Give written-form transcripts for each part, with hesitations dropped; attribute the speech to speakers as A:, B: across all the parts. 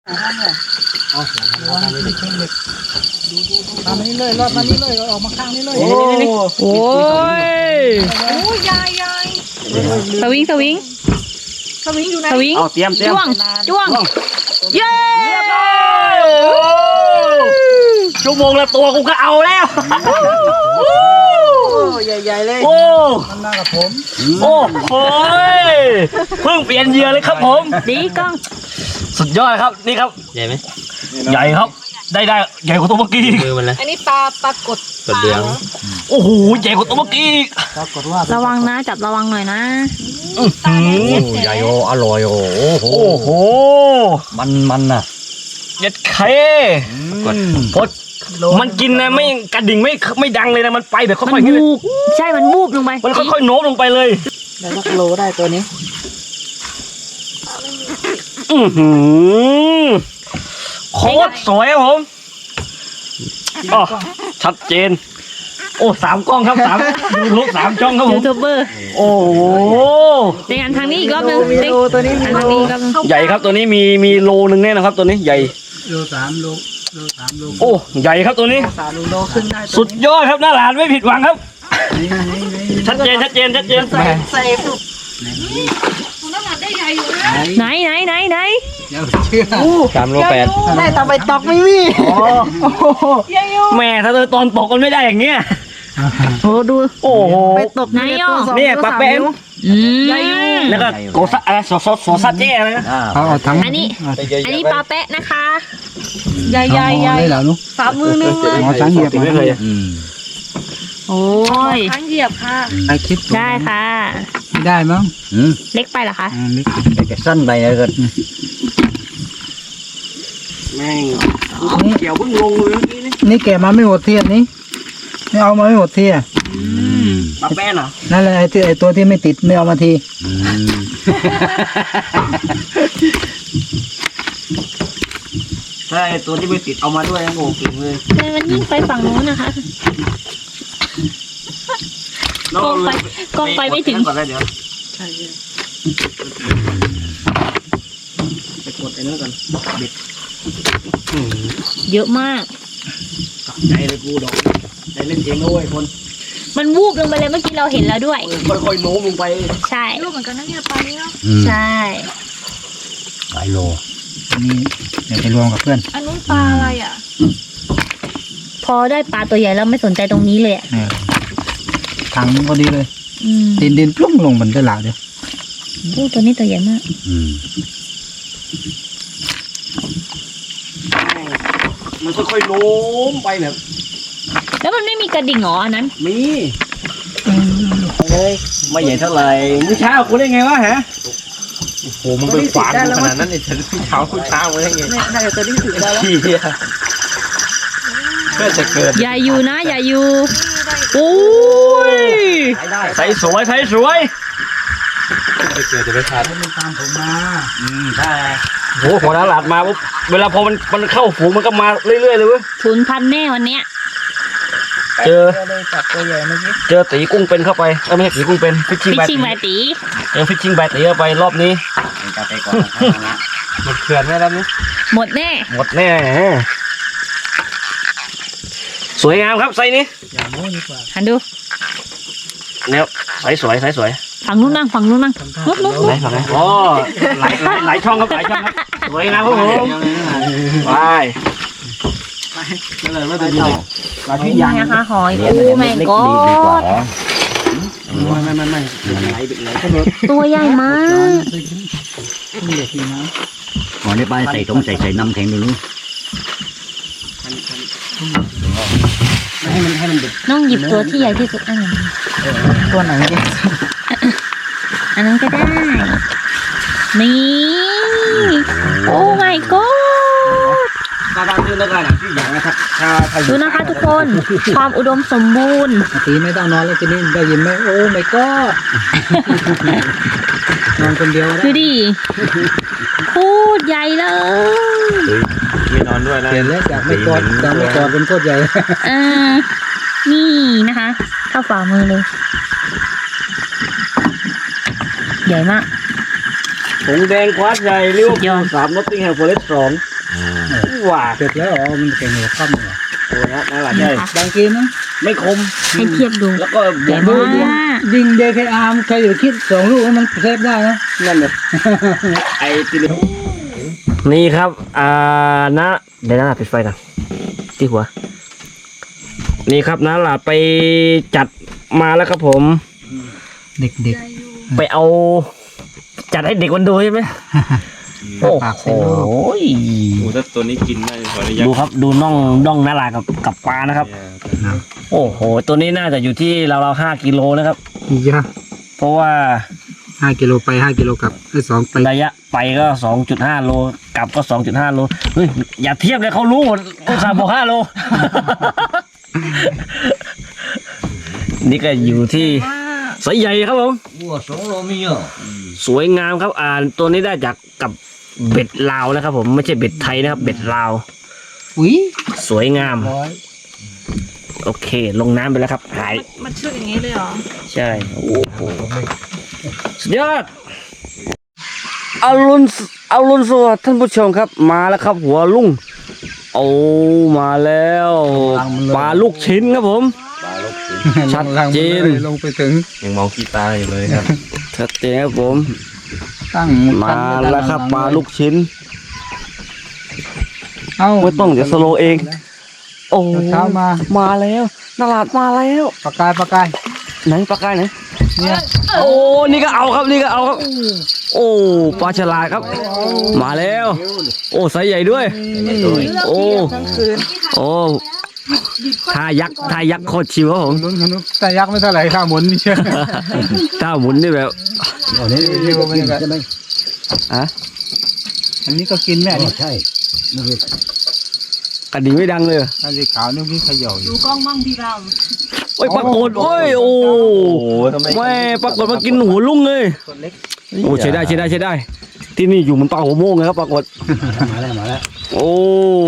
A: ตามนี้เลยรอดมานี่เลยออกมาข้างนี้เลยโอ้
B: ย
C: ยาย
B: สวิง
C: อยู่ไหน
B: สวิง
D: เอาเตรียม
B: จ้วงเย้
D: ชั่วโมงละตัวกูก็เอาแล้ว
A: ใหญ่ๆเลย
D: โอ้
A: มันมากับผม
D: โอ้โหเพิ่งเปลี่ยนเหยื่อเลยครับผม
B: ดีกล้อง
D: สุดยอดครับนี่ครับใหญ่ไหมใหญ่ครับได้ใหญ่กว่าตัวเมื่อกี้มือมันเลย
C: อันนี้ปลากด
D: เดืองโอ้โหใหญ่กว่าตัวเมื่อกี้
A: ปรากฏว่า
B: ระวังนะจับระวังหน่อยนะ
D: ใหญ่โออร่อยโอ้โหมันน่ะเย็ดเคพดมันกินนะไม่กระดิ่งไม่ดังเลยนะมันไปแบบค่อยๆ
B: วูบใช่มันวูบลงไป
D: มันค่อยๆโน้มลงไปเลย
A: ได้ลักโลได้ตัวนี้
D: โคตรสวยครับผมอ๋อชัดเจนโอ้3 กล้องครับยูทูบ3 ช่องครับผม
B: ยูทูบเบอร์
D: โอ้โห
B: ในงานทางนี้อีกรอบนึง
A: ตัวนี้
B: ทางนี้อีกรอบนึง
D: ใหญ่ครับตัวนี้มีโลนึงแน่นะครับตัวนี้ใหญ่
A: โล3 โล
D: โอ้ใหญ่ครับตัวนี้
A: 3 โลขึ้นได้
D: สุดยอดครับหน้าหลานไม่ผิดหวังครับชัดเจน
C: ใส่สุดน้ำหนักได้ใหญ่อยู่นะ
B: ไหน
A: อย่าเชื่อ
D: 3 โล 8
A: ได้แต่ไปตกไม่มี
D: แม่ถ้าตอนตกกันไม่ได้อย่างเงี้ย
B: โอ้ดู
D: โอ้โห
A: ไปตก
B: ไหนอ่ะ
D: เนี่ยปลาแป้งแล้วก็โกซะอะไรโซซาเจ้อะไรนะ
B: อันนี้ปลาแปะนะคะ
C: ใหญ่
A: ได้แล้วนุ๊ก
C: ฝ่ามือนึงเลย
A: ช้างเหยียบ
D: ไม่เลย
B: โอ้ย
C: ช้างเหยียบค่ะ
B: ได้ค่ะ
A: ไม่ได้มั้ง
B: เล็กไปเหรอคะ
A: เล็ก
D: จะสั้นไปเลยกันแม่งเกี่ยวเพิ่งลงเลย
A: นี่แกมาไม่หมดเทียนนี่ไม่เอามาไม่หมดเทีย
D: ปลาแป้นเหรอ
A: นั่นแหละไอ้ตัวที่ไม่ติดไม่เอามาที
D: ใช่ตัวที่ไม่ติดเอามาด้วยโง่เก่งเลย
B: แต่มันยิ่งไปฝั่งนู้นนะคะกองไปไม่ถึง
D: เดี๋ยวใช่ไปกดไอ้นั่นก่อนบิด
B: เยอะมาก
D: ใจเลยกูดอกใจเล่นเองด้วยคน
B: มันวูบลงไปเลยเมื่อกี้เราเห็นแล้วด้วย
D: ค่อยๆโน้มลงไป
B: ใช่
C: รูปเหมือนกันนะเนี่ยปลาเนี้ย
B: ใช่
D: หลายโล
A: นี่เดี๋ยวไปรวมกับเพื่อน
C: อันนู้นปลาอะไรอ่ะ
B: พอได้ปลาตัวใหญ่แล้วไม่สนใจตรงนี้เลย
A: ถังพอดีเลยดินปลุ้งลงบนตลาดเดียว
B: ตัวนี้ตัวใหญ่มาก
D: มันค่อยๆโน้มไปแบบ
B: แล้วมันไม่มีกระดิ่งหรออันนั้น
D: มีเลยไม่ใหญ่เท่าไหร่มื้อเช้าคุณได้ไงวะฮะโอ้โหมันเป็นฝานขนาดนั้นไอ้ฉันมื้อเช้ามาได้ไง
C: น่าจะตัวนี้ถือได้แล้ว
D: เพื่อจะเกิด
B: อย่าอยู่นะอย่าอยู่โอ้ย
D: ใส่สวยไปเกิดจะไปทาน
A: มันตามผมมา
D: ใช่โอ้โหหัวหน้าหลาดมาปุ๊บเวลาพอมันเข้าฝูงมันก็มาเรื่อยๆเลยเว้ย
B: 0,000แน่วันเนี้ย
D: เจอตีกุ้งเป็นเข้าไปไม่ใช่ตีกุ้งเป็นฟิชชิ่ง
B: แบตี
D: ฟิชชิ่งแบตีเข้าไปรอบนี้หมดเขื่อนแน่แล้วนี่
B: หมดแน่
D: สวยงามครับไซนี้
B: หันดู
D: เนี่ยไซสวย
B: ฝั่งนู้นนั่งนู้น
D: ไหนฝั่งไหนอ๋อหลายช่องครับสวยงามครับผมไปไม่ได้ดู
B: ปลาที่ยังนะคะหอยแม่ก็
D: ไม่
B: ตัวใหญ่มาก
D: หอยในปลาใส่น้ำแข็งดูนู้ให้มัน
B: น้องหยิบตัวที่ใหญ่ที่สุดอันไหน
A: ตัวไหน
B: อันนั้นก็ได้นี่โอ้ my god ดูนะคะทุกคนความอุดมสมบูรณ์
A: ตีไม่ต้องนอนแล้วทีนี้ได้ยินไหมโอ้ my god นอนคนเดียว
B: ดูดิพูดใหญ่เลย
D: ไม่นอนด้วยนะ
A: เห็นแล้วจากไม่กอดเป็นโคตรใหญ่
B: นี่นะคะเข้าฝ่ามือเลยใหญ่มาก
D: ผงแดงควาดใหญ่เรียกว่า3 Nottingham Forest 2 ว้า
A: เสร็จแล้วมันเก่งหัวค่ำเหรอ
D: โอ้นะน่ารักใหญ่
A: ดังกินนะ
D: ไม่คม
B: ให้เทียบดู
D: แล้วก็บ
B: ใหญ่
D: วก
B: มาก
A: ยิง JKR ใครอยู่คิด2 ลูกมันเซฟได้นะ
D: นั่นเลยไอ้ที่นี่ครับนะเดี๋ยวนะปิดไฟก่อนที่หัว นี่ครับนะล่ะไปจัดมาแล้วครับผม
A: เด็ก
D: ไปเอาจัดให้เด็กมันดูใช่ไหม
A: ๆ
D: โอ้
A: ปาก
D: โห
A: ใส่ลูก
E: โอ้ถ้าตัวนี้กินได้ขออนุญาต
D: ดูครับดูน่องนาลากับปลานะครับ โอ้โห ตัวนี้น่าจะอยู่ที่เรา5 กิโลนะครับ
A: อีกนะ
D: เพราะว่า
A: 5 กิโลไป5 กิโลกลับ2ไประ
D: ยะไปก็ 2.5 โลกลับก็ 2.5 โลเฮ้ยอย่าเทียบเลยเขารู้หมดอุตส่าห์บอก5 โล นี่ก็อยู่ที่สายใหญ่ครับผม
E: วัว2 โลไม่เยอะ
D: สวยงามครับตัวนี้ได้จากกับเบ็ดลาวนะครับผมไม่ใช่เบ็ดไทยนะครับ เบ็ดลาว
A: อุ้ย
D: สวยงาม
A: ร้อย
D: โอเค ลงน้ำไปแล้วครับหาย
B: มันเชือกอย่างนี้เลยเหรอ
D: ใช่โอ้โหสุดยอดเอารุณสวัสดิ์ท่านผู้ชมครับมาแล้วครับ หัวลุงโอ้มาแล้วปลาลูกชิ้นครับผม ชัดเจน
A: ลงไปถึง
E: ยังมองขี้ตาอยู่เลยครับ
D: ชัดเจนครับผม
A: ตั้ง
D: มาแล้วครับปลาลูกชิ้น
A: เอ้า
D: ไม่ต้องเดี๋ยวสโลว์เอง โอ้
A: เช้ามา
D: มาแล้วนาลาดมาแล้ว
A: ปากกาย
D: ไหนปลากายไหน
A: เนี่ย
D: โอ้นี่ก็เอาครับนี่ก็เอาครับ โอ้ปลาฉลาดครับ มาแล้ว โอ้ไซส์ใหญ่ด้วย โอ้โอ้ท่ายักษ์โคตรชิวครับผม
A: ลุ้นขนุนแต่ยักษ์ไม่เท่าไหร่ข้าวหมุนนี่เชื่อ
D: ท่าหมุนนี่แบบ
A: อันนี้ใช่ไหม
D: อะ
A: อันนี้ก็กินแม่นี่ใช่
D: กระดิ่งไม่ดังเลย
A: อันสีขาวนี่พี่เขย่าอยู่
C: ดูกล้องมั่งพี่เรา
D: โอ้ยปรากฏโอ้ยโอ้แม่ปรากฏมากินหัวลุงเลย
A: ตัวเล็ก
D: โอ้ใช้ได้ ที่นี่อยู่มันปลาหัวโมงเลยครับปรากฏ
A: มาแล้ว
D: โอ้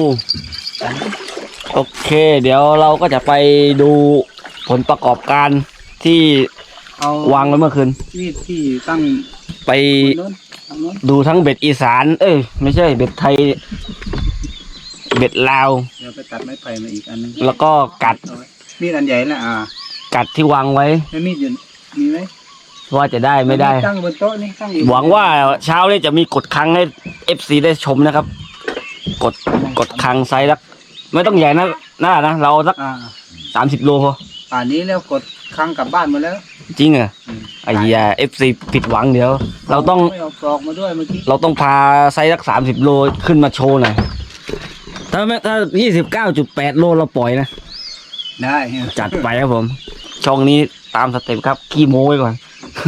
D: โอเค เดี๋ยวเราก็จะไปดูผลประกอบการที่
A: เอา
D: วางไว้เมื่อคืน
A: มีดที่ตั้ง
D: ไป
A: โน้นทางโน้น
D: ดูทั้งเบ็ดอีสาน เอ้ยไม่ใช่เบ็ดไทย เบ็ดลาว
A: เดี๋ยวไปตัดไม้ไผ่มาอีกอันนึง
D: แล้วก็กัด
A: มีดอันใหญ่นะ
D: กัดที่วางไว้
A: แล้วมีดอยู่มีไหม
D: ว่าจะได้ไม่ได้
A: ตั้งบนโต๊ะนี่ตั้งอยู่
D: หวังว่าเช้านี้จะมีกดครั้งให้ FC ได้ชมนะครับ กดครั้งไซส์ละไม่ต้องใหญ่นะเราสัก 30 โลพอ
A: ป่านนี้แล้วกดครั้งกลับบ้านหมาแล้ว
D: จริงเหรอไอ้ยา FC ผิดหวังเดี๋ยว เราต้อง
A: ไม่เอาปลอกมาด้วยเมื่อกี้
D: เราต้องพาไซส์สัก30 โลขึ้นมาโชว์หน่อยถ้า29.8 โลเราปล่อยนะ
A: ได้
D: จัดไปครับผม ช่องนี้ตามสเต็ปครับขี้โม้ไว้ก่อน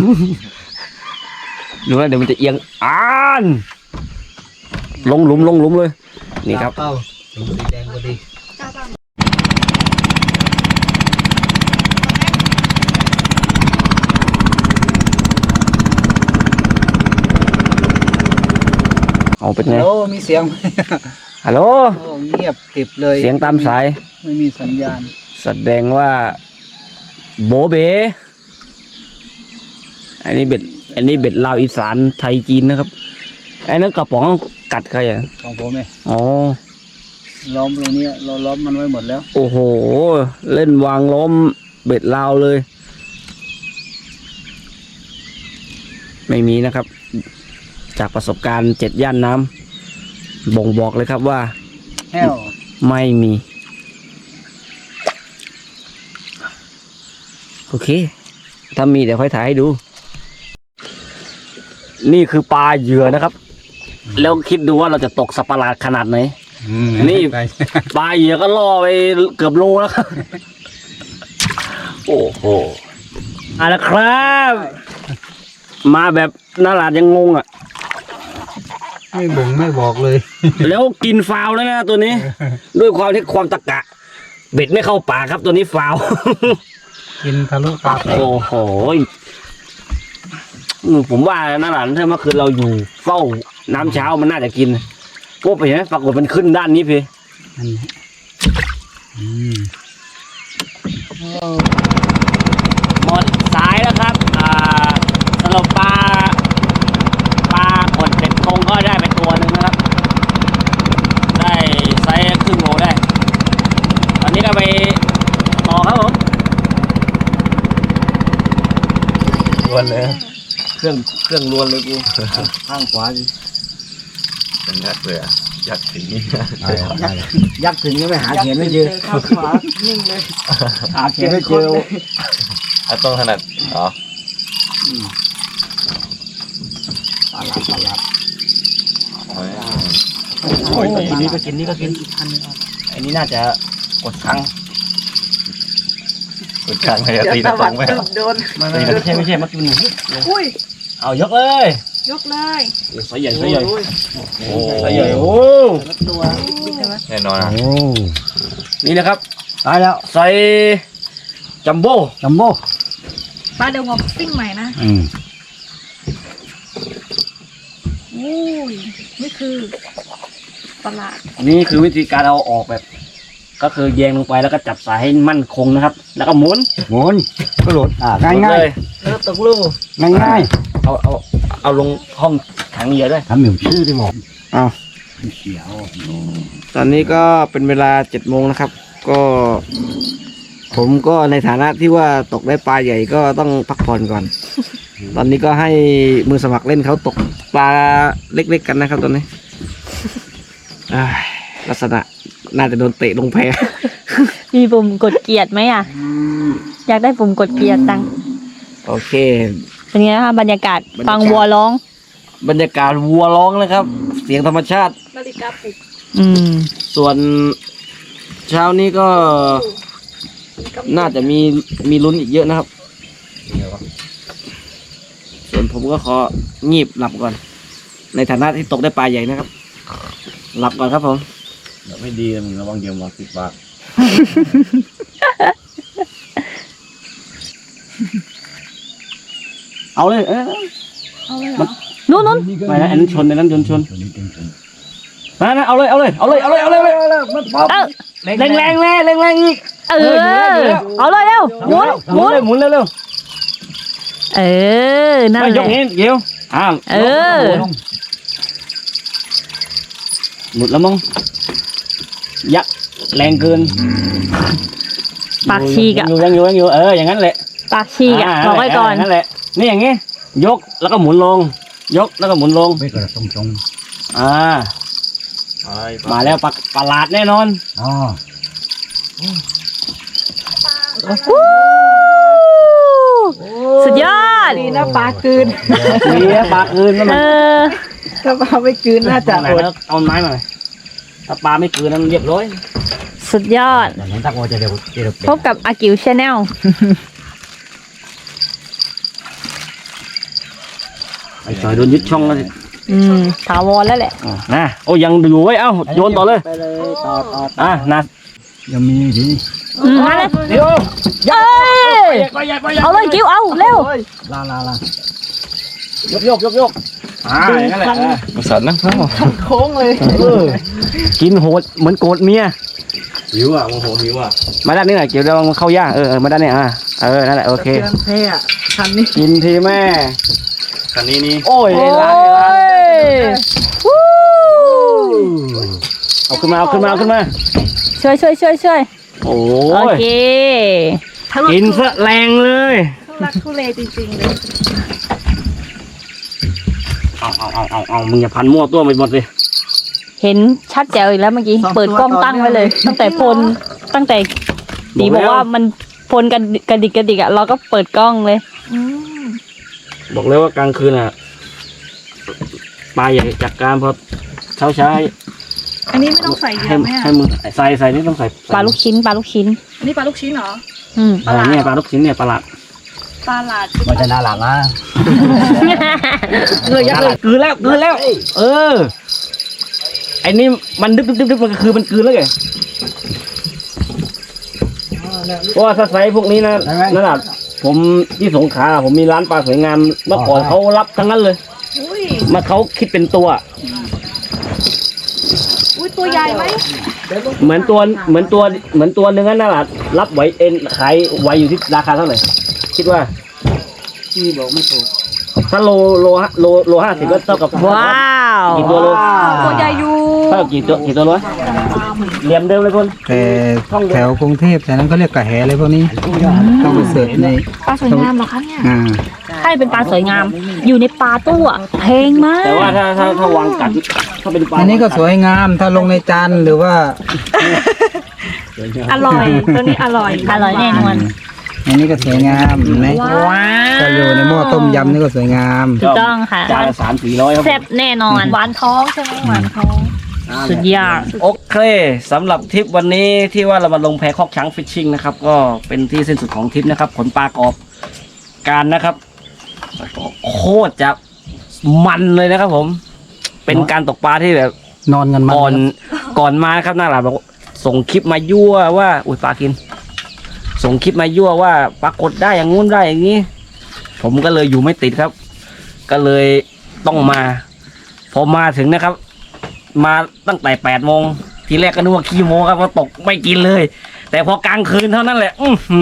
D: ดูนะเดี๋ยวมันจะเอียงลงหลุมเลย นี่ครับ
A: เป้าสีแดงพอดี
D: เอาเป็นไง
A: โอ้มีเสียง
D: ฮัลโหล
A: โอ้เงียบกริบเลย
D: เสียงตามสาย
A: ไม่มีสัญญาณ
D: แสดงว่า โบเบอันนี้เบ็ดลาวอีสานไทยจีนนะครับไอ้นั่นกระป๋องกัดใครอ่ะ
A: ของผมเอง
D: อ๋อ
A: ล้อมตรงนี้เราล้อมมันไว้หมดแล้ว
D: โอ้โห เล่นวางล้อมเบ็ดลาวเลย ไม่มีนะครับ จากประสบการณ์7 ย่านน้ำบ่งบอกเลยครับว่า
A: แห้ว
D: ไม่มี โอเค ถ้ามีเดี๋ยวค่อยถ่ายให้ดู นี่คือปลาเหยื่อนะครับ แล้วคิดดูว่าเราจะตกสัตว์ประหลาดขนาดไหน นี่ ปลาเหยื่อก็ล่อไปเกือบโลแล้วครับ โอ้โหเอาละครับ มาแบบนาลาดยังงงอ่ะ
A: ไม่บ่งไม่บอกเลย
D: แล้วกินฟาวแล้วนะตัวนี้ ด้วยความที่ความตะกะ เบ็ดไม่เข้าปากครับตัวนี้ฟาว
A: กินทะลุตาไป
D: โอ้โหผมว่านาหลานถ้าเมื่อคืนเราอยู่เฝ้าน้ำเช้ามันน่าจะกินพวกไปเห็นไหมปรากฏมันขึ้นด้านนี้พี่
A: อันนี้
D: หมดสายแล้วครับสรุปปลากดเบ็ดคงก็ได้ไปตัวหนึ่งนะครับ
E: วนเลย
D: เครื่องล้วนเลยกูข้างขวาดิ
E: เป็นยักษ์เลยอ่ะยักษ์สีนี้
D: ยักษ์ถึงก็ไม่หาเขียนไม่เจอ
C: ข้างขวานิ่งเลย
D: หาเขียนไม่เจอ
E: ต้องถนัดอ๋อ
D: ปลาหลัด
E: โอ้ย
D: นี่ก็กินอันนี้น่าจะกดครั้ง
E: กดข้างให้ตีตะตรงไหม
C: โดน
D: ไม่ใช่มากิน
C: อุ้ย
D: เอายกเลย
C: ยกเลย
D: ใส่ใหญ่ใส่ใหญ่
E: โอ้
D: ใส่ใหญ่โอ้
C: ตัวใช่ไหม
E: แน่นอนอ่ะ
D: นี่นะครับตายแล้วใส่จัมโบ้
C: ปลาเดี๋ยวงอกซิ่งใหม่นะอุ้ยนี่คือประหลาด
D: นี่คือวิธีการเอาออกแบบ ก็คือแยงลงไปแล้วก็จับสายให้มั่นคงนะครับ แล้วก็หมุนก็หลุดง่ายเลยแล้วตกลูกง่ายเอาลงห้องถังเหยื่อด้วย
A: ทำเหมือนชื่อได้หมด
D: เอาตอนนี้ก็เป็นเวลา7 โมงนะครับ ก็ ผมก็ในฐานะที่ว่าตกได้ปลาใหญ่ก็ต้องพักผ่อนก่อน ตอนนี้ก็ให้มือสมัครเล่นเขาตกปลาเล็กๆกันนะครับตอนนี้ลักษณะน่าจะโดนเตะลงแพ
B: มีปุ่มกดเกียรติไหมอ่ะ อยากได้ปุ่มกดเกียรติจัง
D: โอเค
B: เป็นไงคะบรรยากาศฟังวัวร้อง
D: บรรยากาศวัวร้องนะครับ เสียงธรรมชาติ
C: นาฬิกาปลุก
D: ส่วนเช้านี้ก็น่าจะมีลุ้นอีกเยอะนะครับ ส่วนผมก็ของีบหลับก่อน ในฐานะที่ตกได้ปลาใหญ่นะครับ หลับก่อนครับผม
E: ไม่ดีมึงระวังเดี๋ยวมา10 บาท
D: เอาเลย
C: เอาเลยเหรอ
B: นู้น
D: ไปนะอันนั้นชนอันนั้นชนนะเอาเลยแรงอีก
B: เออ เอาเลยเร็วหมุน
D: เร็ว
B: เออ นั่น
D: ไม่
B: แห
D: ยก
B: ละ
D: นี้เกี่ยว
B: เออ
D: หลุดแล้วมั้งยักษ์แรงเกิน
B: ปากฉีกอ่ะ
D: ยังอยู่อย่างนั้นแหละ
B: ปากฉีกอ่ะบอกไว้ก่อน
D: นั่นแหละนี่อย่างงี้ยกแล้วก็หมุนลง ยกแล้วก็หมุนลง
A: ไม่กระตรง
D: มาแล้วประหลาดแน่นอน
A: อ๋อ
B: สุดยอด
C: ดีนะปลากืน
D: มีปลาคืนแล้ว
B: เอ
D: มัน
B: อ
C: ถ้าปลาไม่กืนน่าจะ
D: เอาไหนแล้วเอาไม้มาหน่อยถ้าปลาไม่คืนนั้นเรียบร้อย
B: สุดยอด
A: อย่างนั้นตักว่าจะเร็ว
B: พบกับอากิวชาแนล
D: ไอ้จอยโดนยึดช่องแล้วสิ
B: ถาวรแล้วแหละ
D: นะโอ้ยังอยู่ไว้เอ้าโยนต่อเลย
A: ไปเลยต่อ
D: นะ
A: ยังมีที
B: มาเลย
D: เดี๋ยว
B: เอ้ยเอาเลยกิ้วเอาเร็ว
A: ลาย
D: กอย่างนั้นแหละ
E: มาสั่นนะ
C: โค้งเลย
D: กินโหดเหมือนโกรธเมีย
E: หิวอ่ะโมโหหิวอ่ะ
D: มาด้านนี้หน่อยเกี่ยวเดี๋ยวมันเข้าย่างมาด้านนี้นั่นแหละโอเค
C: เตือนเท่อะคันนี้
D: กินทีแม่
E: คันนี้นี่
D: โอ้ย
B: โอ้
D: ล้าง
B: ยวู้
D: เอาขึ้นมา
B: ช่วย
D: โอ้
B: โอย เค
D: กินซะแรงเลย
C: ทุลักทุเลจริงๆเลย
D: เอามึงอย่าพันมั่วตัวไปหมดเลย
B: เห็นชัดแจ๋วอีกแล้วเมื่อกี้ เปิดกล้องตั้งไว้เลย ตั้งแต่ตีบอกว่ามันพลกันกระดิกอ่ะ เราก็เปิดกล้องเลย
D: บอกเลยว่ากลางคืนปลาใหญ่จัดการพอเช้า
C: อันนี้ไม่ต้องใส่เย
D: ให้
C: อะไหม
D: ให้
C: อะ
D: มือใส่นี่ต้องใส่
B: ปลาลูกชิ้น
C: อันนี้ปลาลูกชิ้นเหรอ
D: เนี่ยปลาลูกชิ้นเนี่ยปลาหลาด
C: ปลาหลาด
A: มันจะน่าหลังนะ
D: กืนแล้วไอ้นี่มันดึ๊บมันคือมันกืนแล้วไงเพราะว่าถ้าใส่พวกนี้นะนั่นแหละผมที่สงขลาผมมีร้านปลาสวยงามเมื่อก่อนเขารับทั้งนั้นเลย
C: อุ้ย
D: มาเขาคิดเป็นตัว
C: อุ้ยตัวใหญ่ไหม
D: เหมือนตัวเนื้อนั่นแหละรับไหวเอ็นขายไหวอยู่ที่ราคาเท่าไหร่คิดว่า
A: ที่บอกไม่ถูก
D: ถ้าโล50ก็เท่ากับ
B: ว้าว
D: กี่ตัวโล
C: ตัวใหญ่อยู่
D: เท่ากับกี่ตัวโลเหลี่ยมเดิมเลยคน
A: แต่แถวกรุงเทพแต่นั้นก็เรียกกระแหอะไรพวกนี้ต้องไปเสิร์ชใน
C: ปลาสวยงามเหรอคะเนี่ย
B: ถ้าเป็นปลาสวยงาม อยู่ในปลาตู้อะแพงมาก
D: แต่ว่าถ้าวางกัดถ้าเป็นปลา
A: อันนี้ก็สวยงามถ้าลงในจานหรือว่า
C: อร่อยตัวนี้อร่อย
B: อร่อยแน่นอน
A: อันนี้ก็สวยงามเห็นไหม
B: ว้า
A: ถ้าอยู่ในหม้อต้มยำนี่ก็สวยงาม
B: ถูกต้องค่ะ
D: จานละ300-400ครับ
B: แซ่บแน่นอน
C: หวานท้องใช่ไหมหวานท้อง
B: สุดยอด
D: โอเคสำหรับทริปวันนี้ที่ว่าเรามาลงแพคอกช้างฟิชชิ่งนะครับ ก็เป็นที่สิ้นสุดของทริปนะครับผลปลากรอบการนะครับ โคตรจะมันเลยนะครับผม เป็นการตกปลาที่แบบ
A: นอนกันมา
D: ก่อนมาครับหน้าหลานบอกส่งคลิปมายั่วว่าอุ้ยปลากิน ส่งคลิปมายั่วว่าปรากฏได้อย่างงู้นได้อย่างนี้ ผมก็เลยอยู่ไม่ติดครับ ก็เลยต้องมา พอมาถึงนะครับ มาตั้งแต่8 โมงทีแรกก็นึกว่าขี้โมครับว่าตกไม่กินเลย แต่พอกลางคืนเท่านั้นแหละ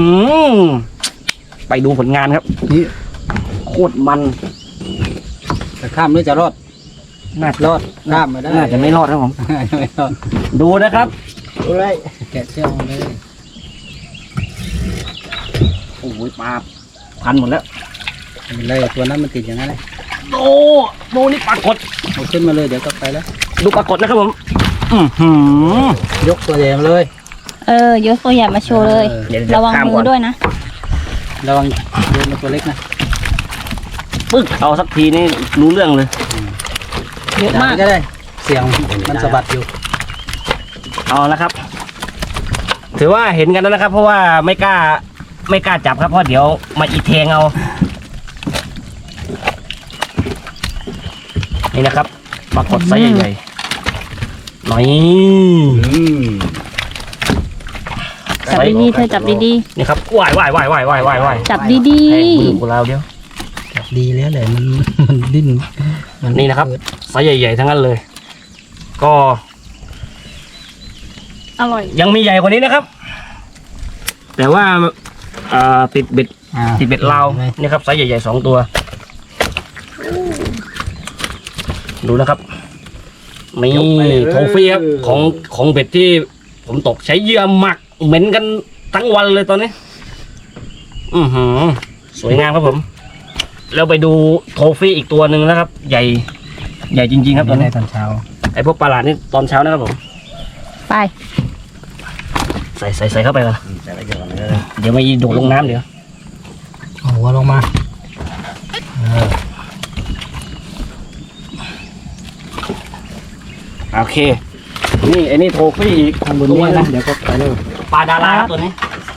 D: ไปดูผลงานครับ
A: นี่
D: โคตรมัน
A: จะข้ามหรือจะรอด
D: น่าร
A: อดข้ามไม่ได้
D: น่าจะไม่รอดครับผม
A: ไม่รอด
D: ดูนะครับ
A: ดูเลยแกะเชือกเลย
D: โอ้ยปลาพันหมดแล้ว
A: เลยตัวนั้นมันติดอย่างนั้นเลย
D: ดูนี่ปลากด
A: เอาขึ้นมาเลยเดี๋ยวก็ไปแล้ว
D: ดูปลากดนะครับผม
A: ยกตัวใหญ่มาเลย
B: ยกตัวใหญ่มาโชว์เลย
D: เดี๋ยว
B: ระวัง
D: ข้าม
B: มื
D: ก่
B: อน ด้วยนะ
A: ระวังโดนตัวเล็กนะ
D: ปึ๊กเอาสักทีนี่รู้เรื่องเลย
B: เยอะมาก
A: ก็ได้ เสียงมันสะบัดอยู่
D: เอานะครับ ถือว่าเห็นกันแล้วนะครับ เพราะว่าไม่กล้าจับครับเพราะเดี๋ยวมาอีแทงเอา นี่นะครับปลากดไซส์ใหญ่ๆหน่อย
B: จับดีๆเธอจับดี
D: นี่ครับว่าย
B: ๆ จับดี
D: แทงมือของเราเดียว
A: ดีแล้วแหละมันดิ้น
D: นี่นะครับไซส์ใหญ่ๆทั้งนั้นเลย ก็
C: อร่อย
D: ยังมีใหญ่กว่านี้นะครับ แต่ว่าติดเบ็ด ติดเบ็ดลาวนี่ครับไซส์ใหญ่ๆ2 ตัว ดูนะครับนี่โทฟี่ครับของเบ็ดที่ผมตกใช้เหยื่อหมักเหม็นกันทั้งวันเลยตอนนี้สวยงามครับผม แล้วไปดูโทฟี่อีกตัวหนึ่งนะครับ ใหญ่จริงๆครับตอน
A: ใน
D: นี้
A: ตอนเช้า
D: ไอพวกปลาหลาดนี่ตอนเช้านะครับผม
B: ๆ ไป
D: ใส่เข้าไปก่อนเดี๋ยวไม่โดดลงน้ำเดี๋ยว
A: เอาหัวลงมา
D: โอเค นี่ไอ้นี่โทฟี่อีก
A: ข้างบนนี้นะเดี๋ยวก็ไปเลย
D: ปลาดาราครับตัวนี้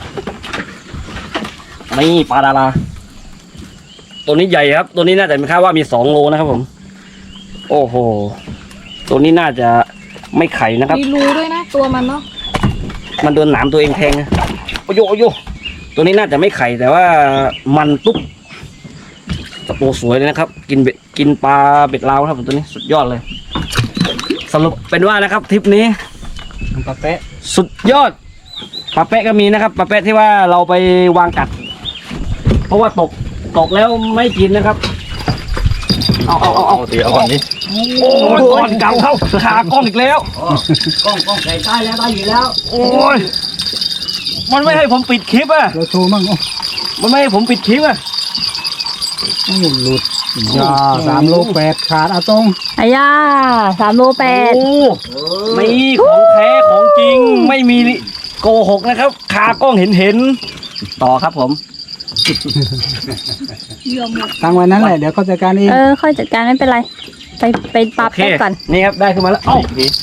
D: นี่ปลาดาราตัวนี้ใหญ่ครับ ตัวนี้น่าจะมีค่าว่ามี2 โลนะครับผม โอ้โหตัวนี้น่าจะไม่ไข่นะครับ
C: มีรูด้วยนะตัวมันเนาะ
D: มันโดนหนามตัวเองแทงนะโอ้โยตัวนี้น่าจะไม่ไข่แต่ว่ามันตุ๊บตัวสวยเลยนะครับ กินปลาเบ็ดลาวครับผมตัวนี้สุดยอดเลย สรุปเป็นว่านะครับทริปนี้
A: ปลาเป๊ะ
D: สุดยอดปลาเป๊ะก็มีนะครับปลาเป๊ะที่ว่าเราไปวางกัด เพราะว่าตกแล้วไม่กินนะครับ เอา
E: ตีเอาก่อนดิ
D: โอ้ยก่อนเก่าเข้าขากล้องอีกแล้ว
A: กล้องใส่ใต้แล้วได้อยู่แล้ว
D: โอ้ยมันไม่ให้ผมปิดคลิปอ่ะ
A: เราโชว์มั่ง
D: มันไม่ให้ผมปิดคลิปอ่ะ
A: โอ้หลุดยา3 โล 8ขาดเอาตรง
B: อายา3 โล 8
D: โอ้นี่ของแท้ของจริงไม่มีโกหกนะครับขากล้องเห็นต่อครับผม
A: ตั้งไว้นั้นแหละเดี๋ยวเขาจัดการเอง
B: ค่อยจัดการไม่เป็นไร ไปปลา
D: โอเค
B: แป๊กก่อน
D: นี่ครับได้ขึ้นมาแล้วเอ้า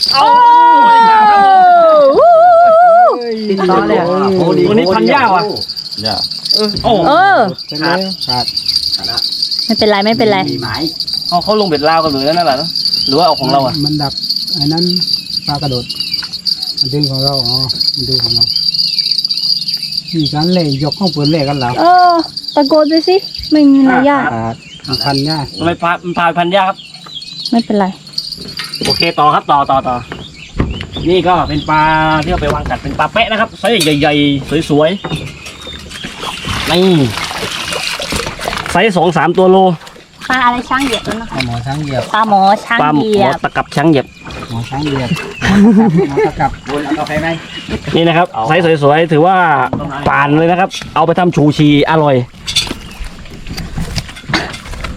A: ติดต่อเลย
D: ตัวนี้พันยาวอ่ะ
E: อย่า
D: โอ้
A: ขาด
B: ไม่เป็นไรไม่เป็นไร
A: มีหมาย
D: เขาลงเบ็ดลาวกันเลยนั่นแหละเนอะหรือว่าเอาของเราอ่ะ
A: มันดักไอ้นั้นปลากระโดดมันดึงของเราอ๋อมันดูของเรามีการเล่ยกข้องปืนเล่กันแล้ว
B: ตะโกนไปสิ ไม่มีอะไรยาก
A: ขาดมันพันยาก
D: มันพาพันยาครับ
B: ไม่เป็นไร
D: โอเคต่อครับต่อนี่ก็เป็นปลาที่เราไปวางกัดเป็นปลาแปะนะครับไซส์ใหญ่ๆสวยๆนี่ไซส์2-3 ตัวโล
B: ปลาอะไรช้างเหยียบนะ
A: หมอช้างเหยียบ
B: ปลาหมอช้าง
D: ปลาห
B: เหยีย
D: มอบ ตะกับช้างเหยียบ
A: หมอช้างเหยียบหมอตะกับหมอตะกับวนเอากาแฟไหม
D: นี่นะครับไซส์สวยๆถือว่าป่านเลยนะครับ เอาไปทำชูชีอร่อย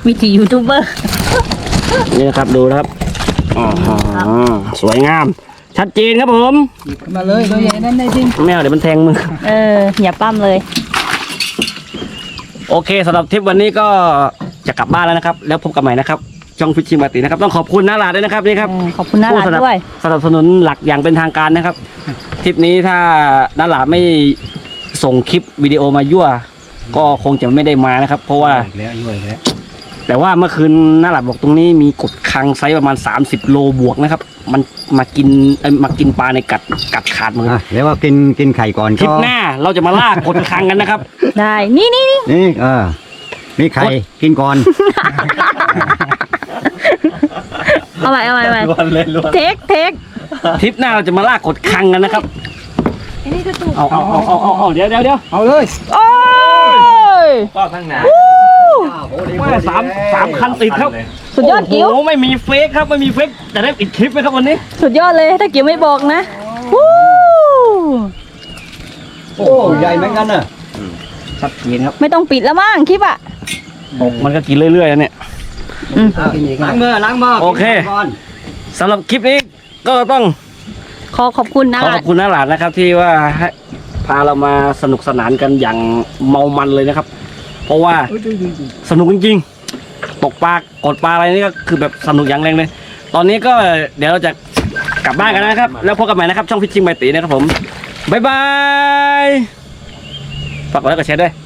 B: วิธียูทูบเบอร์
D: นี่นะครับดูนะครับอ๋อสวยงาม ชัดเจนครับผม
A: หยิบขึ้นมาเลยตัวใหญ่นั่นได้จริง
D: ไม่เอาเดี๋ยวมันแทงมือ
B: อย่าปั้มเลย
D: โอเคสำหรับทริปวันนี้ก็จะกลับบ้านแล้วนะครับ แล้วพบกันใหม่นะครับช่องฟิชชิงมาตินะครับต้องขอบคุณน้าหลาดด้วยนะครับนี่ครับ
B: ขอบคุณน่ารักด้วย
D: สนับสนุนหลักอย่างเป็นทางการนะครับทริปนี้ถ้าน้าหลาไม่ส่งคลิปวิดีโอมายั่ว ก็คงจะไม่ได้มานะครับ เพราะว่า
A: อีกแล้วยุ่ยแล้ว
D: แต่ว่าเมื่อคืนน้าหลาบอกตรงนี้มีกดคังไซส์ประมาณ30โลบวกนะครับ มันมากินปลาในกัดขาดมือ
F: แล้วว่ากินไข่ก่อน
D: ทริปหน้าเราจะมาล่ากดคังกันนะครับ
B: ได้ นี่
F: นี่มีไข่กินก่อน
B: เอาใหม่
E: ล้วนเลยล้วน
B: เทค
D: ทริปหน้าเราจะมาล่ากดคังกันนะครับเอาเดี๋ยว
A: เอาเลย
B: โอ้ย
E: ก็ข้างหน้า
D: ว่าสามคันติดครับ
B: สุดยอดกิ้ว
D: โอ้โหไม่มีเฟกครับไม่มีเฟกแต่ได้ปิดคลิปไหมครับวันนี้
B: สุดยอดเลย ถ้ากิ้วไม่บอกนะวู้
F: โอ้ใหญ่เหมือนกันน่ะ
D: ชัดเจนครับ
B: ไม่ต้องปิดแล้วมั้งคลิปอ่ะ
D: มันก็กินเรื่อยๆนะเนี่ย
A: กินอีก
F: ล้างมือ
D: โอเค
F: กินก่อน
D: สำหรับคลิปนี้ก็ต้อง
B: ขอบคุณนะ
D: ขอบคุณน้าหลานนะครับ ที่ว่าให้พาเรามาสนุกสนานกันอย่างเมามันเลยนะครับ เพราะว่าสนุกจริงๆตกปลากดปลาอะไรนี่ก็คือแบบสนุกอย่างแรงเลย ตอนนี้ก็เดี๋ยวเราจะกลับบ้านกันนะครับ แล้วพบกันใหม่นะครับช่องฟิชชิงใบตีนะครับผมบ๊ายบายฝากกดไลค์กดแชร์ด้วย